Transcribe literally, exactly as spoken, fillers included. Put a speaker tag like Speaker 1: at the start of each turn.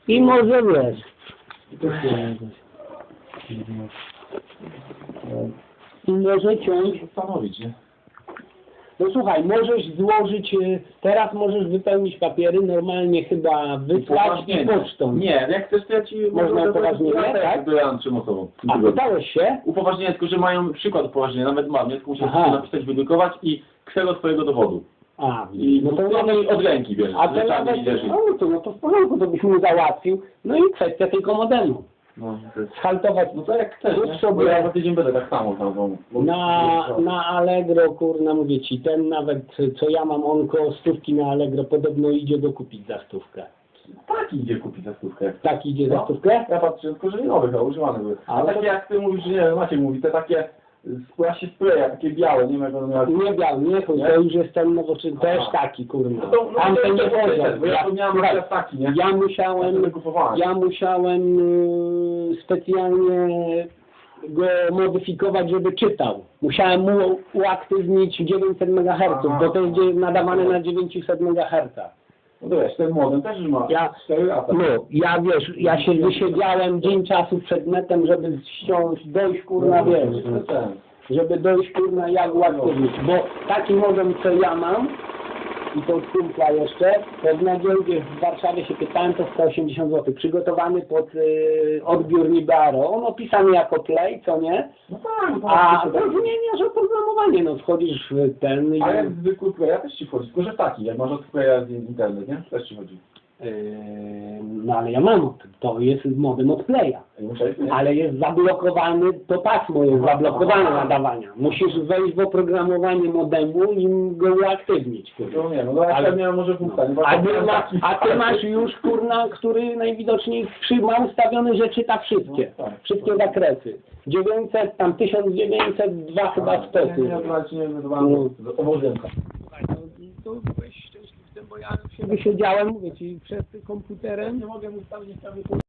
Speaker 1: I może wiesz. I może ciąć.
Speaker 2: Zastanowić, nie?
Speaker 1: No słuchaj, możesz złożyć, y, teraz możesz wypełnić papiery, normalnie chyba wysłać i
Speaker 2: Upoważnienie.
Speaker 1: pocztą.
Speaker 2: Nie, jak chcesz, to ja ci...
Speaker 1: Można upoważnienie, tak?
Speaker 2: To ja trzym osobom.
Speaker 1: A pytałeś się?
Speaker 2: Upoważnienie, tylko że mają przykład upoważnienia, nawet mam, nie? Tylko musisz
Speaker 1: Aha.
Speaker 2: sobie napisać, wydrukować i ksero twojego dowodu.
Speaker 1: A,
Speaker 2: I
Speaker 1: no to nawet,
Speaker 2: od ręki bierzesz,
Speaker 1: a to
Speaker 2: że czarny
Speaker 1: nawet,
Speaker 2: liderzy.
Speaker 1: no to, no to w porządku, to byś mu załatwił. No i kwestia tylko modemu.
Speaker 2: No, to jest...
Speaker 1: Schaltować,
Speaker 2: no to jak chcesz,
Speaker 1: kup
Speaker 2: nie? Bo
Speaker 1: sobie
Speaker 2: ja za tydzień będę tak samo tam. Bo...
Speaker 1: na, na Allegro, kurna, mówię ci, ten nawet, co ja mam, on koło stówki na Allegro podobno idzie dokupić za stówkę.
Speaker 2: Tak idzie kupić za stówkę.
Speaker 1: Tak idzie za
Speaker 2: No.
Speaker 1: stówkę?
Speaker 2: Ja patrzę, tylko że nie nowych, a używane były. A
Speaker 1: Ale
Speaker 2: takie
Speaker 1: to-
Speaker 2: jak ty mówisz, że nie wiem, Maciek mówi, te takie spłasie spreja, takie białe, nie wiem jak one miały.
Speaker 1: Nie biał, nie chuj,
Speaker 2: Nie?
Speaker 1: to już jest ten nowoczesny, też
Speaker 2: Aha.
Speaker 1: taki, kurna.
Speaker 2: No to, no
Speaker 1: Tam
Speaker 2: to,
Speaker 1: ten
Speaker 2: to,
Speaker 1: nie
Speaker 2: to, to,
Speaker 1: poziom.
Speaker 2: bo ja to miałem
Speaker 1: słuchaj,
Speaker 2: akurat taki, nie?
Speaker 1: ja
Speaker 2: Ja
Speaker 1: musiałem,
Speaker 2: sobie kupowałem.
Speaker 1: ja musiałem y, specjalnie go modyfikować, żeby czytał. Musiałem mu uaktywnić dziewięćset megaherców,
Speaker 2: Aha.
Speaker 1: bo to jest dzie- nadawane na dziewięćset megaherców.
Speaker 2: No to wiesz, ten modem też już ma
Speaker 1: Ja,
Speaker 2: cztery lata.
Speaker 1: no, ja wiesz, ja się wysiedziałem dzień czasu przed netem, żeby ściąć, dojść kurna, wiesz,
Speaker 2: No, to ten.
Speaker 1: żeby dojść kurna jak uaktywnić, bo taki modem co ja mam i to od kumpla jeszcze, to w Nadziełdzie w Warszawie się pytałem, to sto osiemdziesiąt złotych, przygotowany pod y, odbiór Libaro, on opisany jako Play, co nie?
Speaker 2: No tak, no
Speaker 1: A
Speaker 2: tak,
Speaker 1: to
Speaker 2: tak.
Speaker 1: zmieniasz oprogramowanie, no wchodzisz w ten i...
Speaker 2: A jak zwykły playa też ci wchodzi, tylko że taki, jak masz od playa z internet, nie? Też ci chodzi.
Speaker 1: Yy, no ale ja mam, to jest modem od Playa.
Speaker 2: A nie musiałeś, nie?
Speaker 1: Ale jest zablokowany, to pasmo jest zablokowane nadawania. Musisz wejść w oprogramowanie modemu i go uaktywnić. Kurwa.
Speaker 2: No nie, no ja
Speaker 1: Ale-
Speaker 2: ale miałem może punkta, nie?
Speaker 1: No. A, ty
Speaker 2: Miałem
Speaker 1: ma,
Speaker 2: taki-
Speaker 1: a ty masz już, kurna, który najwidoczniej przy, ma ustawiony, że czyta wszystkie.
Speaker 2: No tak.
Speaker 1: Wszystkie zakresy. dziewięćset, tam tysiąc dziewięćset, dwa chyba
Speaker 2: Nie,
Speaker 1: stosy.
Speaker 2: nie, nie, nie, wydawałem z obowiązka.
Speaker 1: To byłeś szczęśliwy, bo ja się wysiedziałem, mówię ci, przed komputerem.
Speaker 2: Nie mogę ustawić prawie